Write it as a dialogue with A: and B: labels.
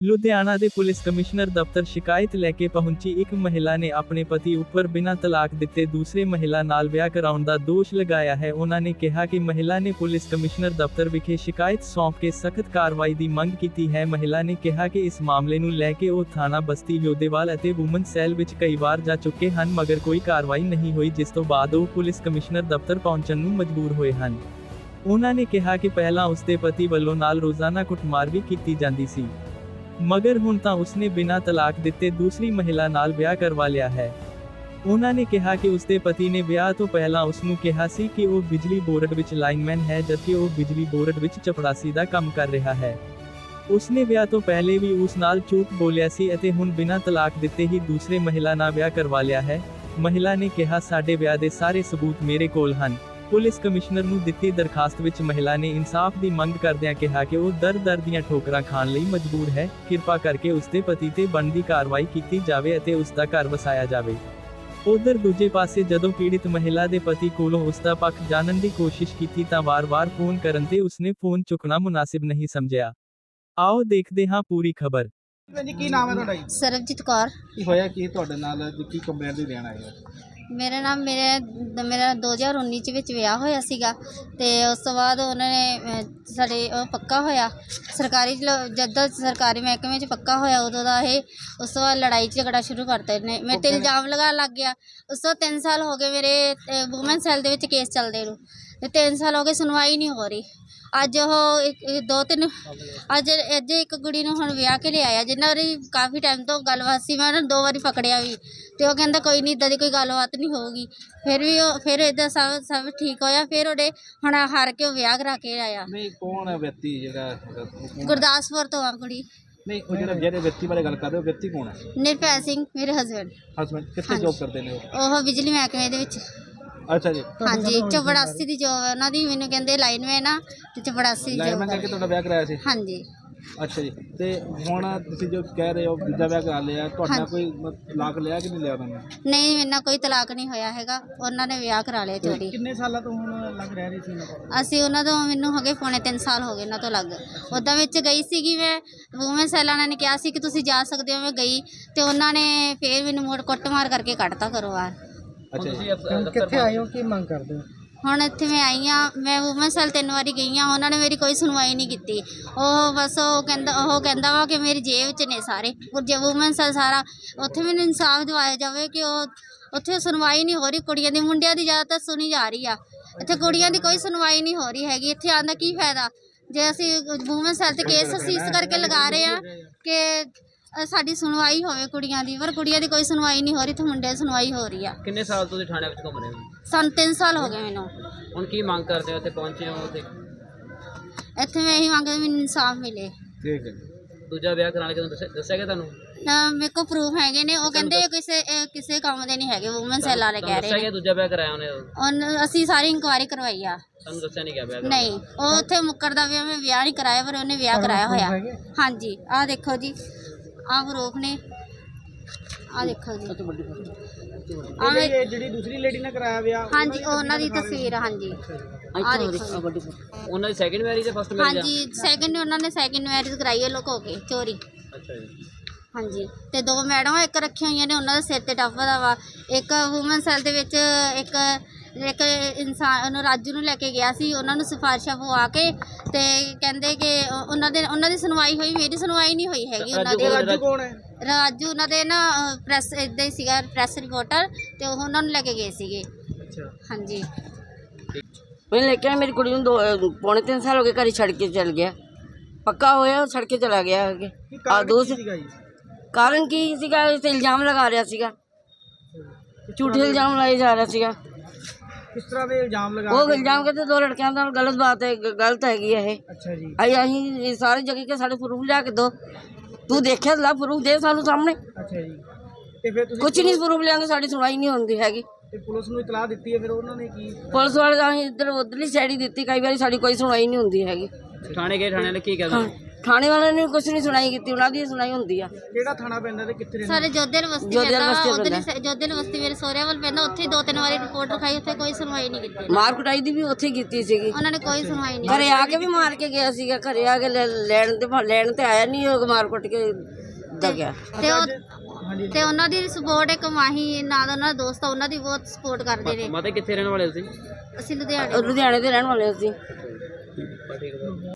A: ਲੁਧਿਆਣਾ ਦੇ police commissioner ਦਫ਼ਤਰ ਸ਼ਿਕਾਇਤ ਲੈ ਕੇ ਪਹੁੰਚੀ ਇੱਕ ਮਹਿਲਾ ਨੇ ਆਪਣੇ ਪਤੀ ਉੱਪਰ ਬਿਨਾਂ ਤਲਾਕ ਦਿੱਤੇ ਦੂਸਰੇ ਮਹਿਲਾ ਨਾਲ ਵਿਆਹ ਕਰਾਉਣ ਦਾ ਦੋਸ਼ ਲਗਾਇਆ ਹੈ। ਉਹਨਾਂ ਨੇ ਕਿਹਾ ਕਿ ਮਹਿਲਾ ਨੇ ਪੁਲਿਸ ਕਮਿਸ਼ਨਰ ਦਫ਼ਤਰ ਵਿਖੇ ਸ਼ਿਕਾਇਤ ਸੌਂਪ ਕੇ ਸਖਤ ਕਾਰਵਾਈ ਦੀ ਮੰਗ ਕੀਤੀ ਹੈ। ਮਹਿਲਾ ਨੇ ਕਿਹਾ ਕਿ ਇਸ ਮਾਮਲੇ ਨੂੰ ਲੈ ਕੇ ਉਹ ਥਾਣਾ ਬਸਤੀ ਲੋਧੇਵਾਲ ਅਤੇ ਵੂਮਨ ਸੈੱਲ ਵਿੱਚ ਕਈ ਵਾਰ ਜਾ ਚੁੱਕੇ ਹਨ, ਮਗਰ ਕੋਈ ਕਾਰਵਾਈ ਨਹੀਂ ਹੋਈ, ਜਿਸ ਤੋਂ ਬਾਅਦ ਉਹ ਪੁਲਿਸ ਕਮਿਸ਼ਨਰ ਦਫ਼ਤਰ ਪਹੁੰਚਣ ਨੂੰ ਮਜਬੂਰ ਹੋਏ ਹਨ। ਉਹਨਾਂ ਨੇ ਕਿਹਾ ਕਿ ਪਹਿਲਾਂ ਉਸਦੇ ਪਤੀ ਵੱਲੋਂ ਨਾਲ ਰੋਜ਼ਾਨਾ ਕੁੱਟਮਾਰ ਵੀ ਕੀਤੀ ਜਾਂਦੀ ਸੀ, ਮਗਰ ਹੁਣ ਤਾਂ ਉਸਨੇ ਬਿਨਾਂ ਤਲਾਕ ਦਿੱਤੇ ਦੂਸਰੀ ਮਹਿਲਾ ਨਾਲ ਵਿਆਹ ਕਰਵਾ ਲਿਆ ਹੈ। ਉਹਨਾਂ ਨੇ ਕਿਹਾ ਕਿ ਉਸਦੇ ਪਤੀ ਨੇ ਵਿਆਹ ਤੋਂ ਪਹਿਲਾਂ ਉਸਨੂੰ ਕਿਹਾ ਸੀ ਕਿ ਉਹ ਬਿਜਲੀ ਬੋਰਡ ਵਿੱਚ ਲਾਈਨਮੈਨ ਹੈ, ਜਦਕਿ ਉਹ ਬਿਜਲੀ ਬੋਰਡ ਵਿੱਚ ਚਪੜਾਸੀ ਦਾ ਕੰਮ ਕਰ ਰਿਹਾ ਹੈ। ਉਸਨੇ ਵਿਆਹ ਤੋਂ ਪਹਿਲੇ ਵੀ ਉਸ ਨਾਲ ਝੂਠ ਬੋਲਿਆ ਸੀ ਅਤੇ ਹੁਣ ਬਿਨਾਂ ਤਲਾਕ ਦਿੱਤੇ ਹੀ ਦੂਸਰੇ ਮਹਿਲਾ ਨਾਲ ਵਿਆਹ ਕਰਵਾ ਲਿਆ ਹੈ। ਮਹਿਲਾ ਨੇ ਕਿਹਾ, ਸਾਡੇ ਵਿਆਹ ਦੇ ਸਾਰੇ ਸਬੂਤ ਮੇਰੇ ਕੋਲ ਹਨ। ਪੁਲਿਸ ਕਮਿਸ਼ਨਰ ਨੂੰ ਦਿੱਤੀ ਦਰਖਾਸਤ ਵਿੱਚ ਮਹਿਲਾ ਨੇ ਇਨਸਾਫ ਦੀ ਮੰਗ ਕਰਦਿਆਂ ਕਿਹਾ ਕਿ ਉਹ ਦਰ ਦੀਆਂ ਠੋਕਰਾਂ ਖਾਣ ਲਈ ਮਜਬੂਰ ਹੈ। ਕਿਰਪਾ ਕਰਕੇ ਉਸਦੇ ਪਤੀ ਤੇ ਬਣਦੀ ਕਾਰਵਾਈ ਕੀਤੀ ਜਾਵੇ ਅਤੇ ਉਸ ਦਾ ਘਰ ਵਸਾਇਆ ਜਾਵੇ। ਉਧਰ ਦੂਜੇ ਪਾਸੇ ਜਦੋਂ ਪੀੜਿਤ ਮਹਿਲਾ ਦੇ ਪਤੀ ਕੋਲੋਂ ਉਸ ਦਾ ਪੱਖ ਜਾਣਨ ਦੀ ਕੋਸ਼ਿਸ਼ ਕੀਤੀ ਤਾਂ ਵਾਰ-ਵਾਰ ਫੋਨ ਕਰਨ ਤੇ ਉਸਨੇ ਫੋਨ ਚੁੱਕਣਾ ਮੁਨਾਸਿਬ ਨਹੀਂ ਸਮਝਿਆ। ਆਓ ਦੇਖਦੇ ਹਾਂ ਪੂਰੀ ਖਬਰ।
B: ਜੀ ਕੀ ਨਾਮ ਹੈ ਤੁਹਾਡਾ ਜੀ?
C: ਸਰਬਜੀਤ ਕੌਰ।
B: ਕੀ ਹੋਇਆ ਕੀ ਤੁਹਾਡੇ ਨਾਲ, ਕੀ ਕੰਪਲੇਂਟ ਦੀ ਦੇਣ ਆਏ ਹੋ?
C: ਮੇਰਾ 2019 ਚ ਵਿੱਚ ਵਿਆਹ ਹੋਇਆ ਸੀਗਾ ਤੇ ਉਸ ਤੋਂ ਬਾਅਦ ਉਹਨਾਂ ਨੇ ਸਾਡੇ ਉਹ ਪੱਕਾ ਹੋਇਆ ਸਰਕਾਰੀ ਜਦੋਂ ਸਰਕਾਰੀ ਮਹਿਕਮੇ 'ਚ ਪੱਕਾ ਹੋਇਆ ਉਦੋਂ ਦਾ ਇਹ। ਉਸ ਤੋਂ ਬਾਅਦ ਲੜਾਈ ਝਗੜਾ ਸ਼ੁਰੂ ਕਰਤਾ ਇਹਨੇ, ਮੇਰੇ ਤੇ ਇਲਜ਼ਾਮ ਲਗਾਉਣ ਲੱਗ ਗਿਆ। ਉਸ ਤੋਂ 3 ਸਾਲ ਹੋ ਗਏ ਮੇਰੇ ਵੂਮਨ ਸੈੱਲ ਦੇ ਵਿੱਚ ਕੇਸ ਚੱਲਦੇ ਨੂੰ, ਤੇ 3 ਸਾਲ ਹੋ ਗਏ ਸੁਣਵਾਈ ਨਹੀਂ ਹੋ ਰਹੀ। ਅੱਜ ਇੱਕ ਕੁੜੀ ਨੂੰ ਹੁਣ ਵਿਆਹ ਕੇ ਲਿਆਇਆ ਜਿਨ੍ਹਾਂ ਦੀ ਕਾਫੀ ਟਾਈਮ ਤੋਂ ਗੱਲਬਾਤ ਸੀ। ਮੈਂ ਉਹਨਾਂ ਨੂੰ 2 ਵਾਰੀ ਪਕੜਿਆ ਵੀ ਤੇ ਉਹ ਕਹਿੰਦਾ ਕੋਈ ਨਹੀਂ, ਇੱਦਾਂ ਦੀ ਕੋਈ ਗੱਲਬਾਤ ਨਹੀਂ ਹੋਊਗੀ। ਫਿਰ ਇੱਦਾਂ ਸਭ ਠੀਕ ਹੋਇਆ। ਫਿਰ ਉਹਦੇ ਹੁਣ ਹਾਰ ਕੇ ਉਹ ਵਿਆਹ ਕਰਾ ਕੇ ਆਇਆ।
B: ਨਹੀਂ, ਕੌਣ ਹੈ ਵਿਅਕਤੀ ਜਿਹੜਾ?
C: ਗੁਰਦਾਸਪੁਰ ਤੋਂ ਆ ਕੁੜੀ।
B: ਨਹੀਂ, ਉਹ ਜਿਹੜੇ ਵਿਅਕਤੀ ਬਾਰੇ ਗੱਲ ਕਰ ਰਹੇ ਹੋ, ਵਿਅਕਤੀ ਕੌਣ ਹੈ?
C: ਨਿਰਭੈ ਸਿੰਘ ਮੇਰੇ ਹਸਬੈਂਡ।
B: ਕਿੱਥੇ ਜੌਬ ਕਰਦੇ ਨੇ
C: ਉਹ ਬਿਜਲੀ ਮਹਿਕਮੇ ਦੇ ਵਿੱਚ।
B: ਅੱਛਾ ਜੀ।
C: ਹਾਂਜੀ, ਚਪੜਾਸੀ ਦੀ ਜੋਬ ਹੈ ਉਹਨਾਂ ਦੀ। ਮੈਨੂੰ ਕਹਿੰਦੇ ਲਾਈਨਮੈਨ ਆ ਤੇ ਚਪੜਾਸੀ
B: ਲਾਈਨਮੈਨ ਕਰਕੇ ਤੁਹਾਡਾ ਵਿਆਹ ਕਰਾਇਆ ਸੀ?
C: ਹਾਂਜੀ।
B: ਅੱਛਾ ਜੀ। ਤੇ ਹੁਣ ਤੁਸੀਂ ਜੋ ਕਹਿ ਰਹੇ ਹੋ ਦੂਜਾ ਵਿਆਹ ਕਰਾ ਲਿਆ, ਤੁਹਾਡਾ ਕੋਈ ਤਲਾਕ ਲਿਆ ਕਿ ਨਹੀਂ ਲਿਆ ਉਹਨਾਂ ਨੇ?
C: ਨਹੀਂ, ਮੇਰੇ ਨਾਲ ਕੋਈ ਤਲਾਕ ਨਹੀਂ ਹੋਇਆ ਹੈਗਾ। ਉਹਨਾਂ ਨੇ ਵਿਆਹ ਕਰਾ ਲਿਆ ਚੋਰੀ।
B: ਕਿੰਨੇ ਸਾਲਾਂ ਤੋਂ ਹੁਣ ਲੱਗ ਰਹਿ ਰਹੀ ਸੀ ਉਹਨਾਂ ਕੋਲ?
C: ਅਸੀਂ ਉਹਨਾਂ ਤੋਂ ਮੈਨੂੰ ਹੋ ਗਏ ਪੌਣੇ 3 ਸਾਲ ਹੋ ਗਏ ਉਹਨਾਂ ਤੋਂ ਲੱਗ। ਉੱਦਾਂ ਵਿੱਚ ਗਈ ਸੀਗੀ ਮੈਂ ਵੂਮਨ ਸੈੱਲ ਵਾਲਿਆਂ ਨੇ ਕਿਹਾ ਸੀ ਕਿ ਤੁਸੀਂ ਜਾ ਸਕਦੇ ਹੋ। ਮੈਂ ਗਈ ਤੇ ਉਹਨਾਂ ਨੇ ਫੇਰ ਮੈਨੂੰ ਮੋੜ ਕੁੱਟਮਾਰ ਕਰਕੇ ਕੱਢਤਾ ਘਰੋਂ ਬਾਹਰ।
B: ਅੱਛਾ ਜੀ। ਕਿੱਥੇ ਆਏ ਹੋ, ਕੀ ਮੰਗ ਕਰਦੇ ਹੋ?
C: ਹੁਣ ਇੱਥੇ ਮੈਂ ਆਈ ਹਾਂ। ਮੈਂ ਵੂਮਨ ਸੈੱਲ 3 ਵਾਰੀ ਗਈ ਹਾਂ, ਉਹਨਾਂ ਨੇ ਮੇਰੀ ਕੋਈ ਸੁਣਵਾਈ ਨਹੀਂ ਕੀਤੀ। ਉਹ ਬਸ ਉਹ ਕਹਿੰਦਾ ਵਾ ਕਿ ਮੇਰੀ ਜੇਬ 'ਚ ਨੇ ਸਾਰੇ ਜੇ ਵੂਮਨ ਸੈੱਲ ਸਾਰਾ। ਉੱਥੇ ਮੈਨੂੰ ਇਨਸਾਫ ਦਿਵਾਇਆ ਜਾਵੇ ਕਿ ਉਹ ਉੱਥੇ ਸੁਣਵਾਈ ਨਹੀਂ ਹੋ ਰਹੀ। ਕੁੜੀਆਂ ਦੀ ਮੁੰਡਿਆਂ ਦੀ ਜ਼ਿਆਦਾਤਰ ਸੁਣੀ ਜਾ ਰਹੀ ਆ, ਇੱਥੇ ਕੁੜੀਆਂ ਦੀ ਕੋਈ ਸੁਣਵਾਈ ਨਹੀਂ ਹੋ ਰਹੀ ਹੈਗੀ। ਇੱਥੇ ਆਉਣ ਦਾ ਕੀ ਫਾਇਦਾ ਜੇ ਅਸੀਂ ਵੂਮਨ ਸੈੱਲ 'ਤੇ ਕੇਸ ਅਸੀਂ ਇਸ ਕਰਕੇ ਲਗਾ ਰਹੇ ਹਾਂ ਕਿ ਸਾਡੀ ਸੁਣਵਾਈ ਹੋਵੇ ਕੁੜੀਆਂ ਦੀ, ਪਰ ਕੁੜੀਆਂ ਦੀ ਕੋਈ ਸੁਣਵਾਈ ਨਹੀਂ ਹੋ ਰਹੀ ਤੇ ਮੁੰਡਿਆਂ ਦੀ ਸੁਣਵਾਈ ਹੋ ਰਹੀ ਆ।
D: ਕਿੰਨੇ ਸਾਲ ਤੁਸੀਂ ਥਾਣੇ ਵਿੱਚ ਘੁੰਮ ਰਹੇ ਹੋ?
C: ਸਾਨੂੰ 3 ਸਾਲ ਹੋ ਗਏ ਮੈਨੂੰ।
D: ਹੁਣ ਕੀ ਮੰਗ ਕਰਦੇ ਹੋ? ਇੱਥੇ ਪਹੁੰਚੇ ਹੋ ਤੇ
C: ਇੱਥੇ ਮੈਂ ਇਹੀ ਮੰਗਦੀ ਮੈਨੂੰ ਇਨਸਾਫ ਮਿਲੇ।
B: ਠੀਕ ਹੈ।
D: ਦੂਜਾ ਵਿਆਹ ਕਰਾਉਣ ਕਿਉਂ ਦੱਸਿਆ ਗਿਆ ਤੁਹਾਨੂੰ?
C: ਮੇਰੇ ਕੋਲ ਪ੍ਰੂਫ ਹੈਗੇ ਨੇ। ਉਹ ਕਹਿੰਦੇ ਕਿਸੇ ਕੰਮ ਦੇ ਨਹੀਂ ਹੈਗੇ। ਵੂਮਨ ਸੈੱਲ ਵਾਲੇ ਕਹਿ ਰਹੇ
D: ਦੱਸਿਆ
C: ਨੇ।
D: ਗਿਆ ਦੂਜਾ ਵਿਆਹ ਕਰਾਇਆ ਉਹਨੇ?
C: ਅਸੀਂ ਸਾਰੀ ਇਨਕੁਆਇਰੀ ਕਰਵਾਈ ਆ।
D: ਤੁਹਾਨੂੰ ਦੱਸਿਆ ਨਹੀਂ ਗਿਆ ਵਿਆਹ?
C: ਨਹੀਂ, ਉਹ ਉੱਥੇ ਮੁੱਕਰਦਾ ਵੀ ਮੈਂ ਵਿਆਹ ਨਹੀਂ ਕਰਾਇਆ, ਪਰ ਉਹਨੇ ਵਿਆਹ ਕਰਾਇਆ ਹੋਇਆ। ਹਾਂਜੀ, ਆਹ ਦੇਖੋ ਜੀ, ਆਹ ਪ੍ਰੂਫ ਨੇ, ਆਹ ਦੇਖੋ ਜੀ।
B: ਜਿਹੜੀ ਦੂਸਰੀ ਲੇਡੀ ਨੇ ਕਰਾਇਆ ਵਿਆਹ,
C: ਹਾਂਜੀ, ਉਹਨਾਂ ਦੀ ਤਸਵੀਰ। ਹਾਂਜੀ, ਆਹ ਦੇਖੋ।
D: ਉਹਨਾਂ ਦੀ ਸੈਕਿੰਡ ਮੈਰਿਜ ਹੈ ਫਸਟ ਮੈਰਿਜ?
C: ਹਾਂਜੀ, ਸੈਕਿੰਡ। ਉਹਨਾਂ ਨੇ ਸੈਕਿੰਡ ਮੈਰਿਜ ਕਰਾਈ ਹੈ ਲੁਕੋ ਕੇ ਚੋਰੀ।
D: ਅੱਛਾ ਜੀ।
C: ਹਾਂਜੀ, ਤੇ 2 ਮੈਡਮ ਇੱਕ ਰੱਖੀਆਂ ਹੋਈਆਂ ਨੇ, ਉਹਨਾਂ ਦੇ ਸਿਰ ਤੇ ਟੱਫ ਦਾ ਵਾ। ਇੱਕ ਵੂਮਨ ਸੈੱਲ ਦੇ ਵਿੱਚ ਇੱਕ ਇਨਸਾਨ ਉਹਨੂੰ ਰਾਜੂ ਨੂੰ ਲੈ ਕੇ ਗਿਆ ਸੀ। ਉਹਨਾਂ ਨੂੰ ਸਿਫਾਰਿਸ਼ਾਂ ਪਵਾ ਕੇ ਤੇ ਕਹਿੰਦੇ ਕਿ ਉਹਨਾਂ ਦੀ ਸੁਣਵਾਈ ਹੋਈ, ਮੇਰੀ ਸੁਣਵਾਈ ਨਹੀਂ ਹੋਈ ਹੈਗੀ ਉਹਨਾਂ ਦੀ।
B: ਰਾਜੂ ਕੌਣ ਹੈ?
C: ਰਾਜੂ ਉਹਨਾਂ ਦੇ ਨਾ ਪ੍ਰੈਸ ਇੱਦਾਂ ਹੀ ਸੀਗਾ, ਪ੍ਰੈਸ ਰਿਪੋਰਟਰ, ਤੇ ਉਹ ਉਹਨਾਂ ਨੂੰ ਲੈ ਕੇ ਗਏ ਸੀਗੇ।
B: ਅੱਛਾ।
C: ਹਾਂਜੀ।
E: मैं लेके आया मेरी कुड़ी पौने 3 साल हो गए, घर ही छड़ के चल गया। पक्का होया छड़ के चला गया दूसरे कारण की सीगा, इल्जाम लगा रहा सीगा, झूठे इल्जाम लाए जा रहा सीगा।
B: किस तरह के इल्जाम लगा?
E: वो इल्जाम कहते 2 लड़कियां नाल गलत बात है, गलत हैगी है।
B: अच्छा जी।
E: अं सारी जगह के साढ़े प्रूफ लिया के दो, तू देखिया ला प्रूफ दे सानू सामने।
B: अच्छा जी। ते फिर तुसीं
E: कुछ नहीं प्रूफ लियांगे, साड़ी सुनवाई नहीं होंदी हैगी।
B: ਤੇ ਪੁਲਿਸ ਨੂੰ ਇਤਲਾਹ ਦਿੱਤੀ ਹੈ, ਫਿਰ ਉਹਨਾਂ ਨੇ ਕੀ?
E: पुलिस वाले इधर उधरली साइड ही दी, कई बार साड़ी कोई सुनवाई नहीं होंदी हैगी।
D: ਥਾਣੇ ਗਏ, ਥਾਣੇ ਨੇ ਕੀ ਕਹਿੰਦੇ?
E: ਥਾਣੇ ਵਾਲਿਆਂ ਨੇ ਕੁਛ ਨਹੀਂ ਸੁਣਾਈ ਕੀਤੀ, ਉਹਨਾਂ ਦੀ ਸੁਣਾਈ ਹੁੰਦੀ ਆ।
B: ਕਿਹੜਾ ਥਾਣਾ ਪੈਂਦਾ ਤੇ ਕਿੱਥੇ ਰਹਿੰਦੇ?
C: ਸਾਰੇ ਜੋਧੇਲ ਬਸਤੀ
E: ਜੋਧੇਲ
C: ਪੈਂਦਾ
E: ਬਸਤੀ
C: ਉਧਰ
E: ਪੈਂਦਾ।
C: ਜੋਧੇਲ ਬਸਤੀ ਮੇਰੇ ਸਹੁਰਿਆਂ ਵੱਲ ਪੈਂਦਾ, ਉੱਥੇ 2-3 ਵਾਰੀ ਰਿਪੋਰਟ ਲਿਖਾਈ, ਉੱਥੇ ਕੋਈ ਸੁਣਵਾਈ ਨਹੀਂ ਕੀਤੀ
E: ਮਾਰ ਕੁਟਾਈ ਦੀ ਵੀ ਉੱਥੇ ਕੀਤੀ ਸੀਗੀ।
C: ਉਹਨਾਂ ਨੇ ਕੋਈ ਸੁਣਵਾਈ ਨਹੀਂ
E: ਘਰੇ ਆ ਕੇ ਵੀ ਮਾਰ ਕੇ ਗਿਆ ਸੀਗਾ, ਘਰੇ ਆ ਕੇ ਲੈਣ ਤੇ ਆਇਆ ਨਹੀਂ, ਉਹ ਮਾਰ ਕੁੱਟ ਕੇ ਦਾ ਗਿਆ।
C: ਤੇ ਉਹਨਾਂ ਦੀ ਸਪੋਰਟ ਇੱਕ ਮਾਹੀ ਨਾਲ ਉਹਨਾਂ ਦਾ ਦੋਸਤ ਆ, ਉਹਨਾਂ ਦੀ ਬਹੁਤ ਸਪੋਰਟ ਕਰਦੇ ਨੇ।
D: ਮਾਤਾ ਕਿੱਥੇ ਰਹਿਣ ਵਾਲੇ ਤੁਸੀਂ?
C: ਅਸੀਂ ਲੁਧਿਆਣੇ
E: ਲੁਧਿਆਣੇ ਦੇ ਰਹਿਣ ਵਾਲੇ ਸੀ।
D: ਠੀਕ ਹੈ।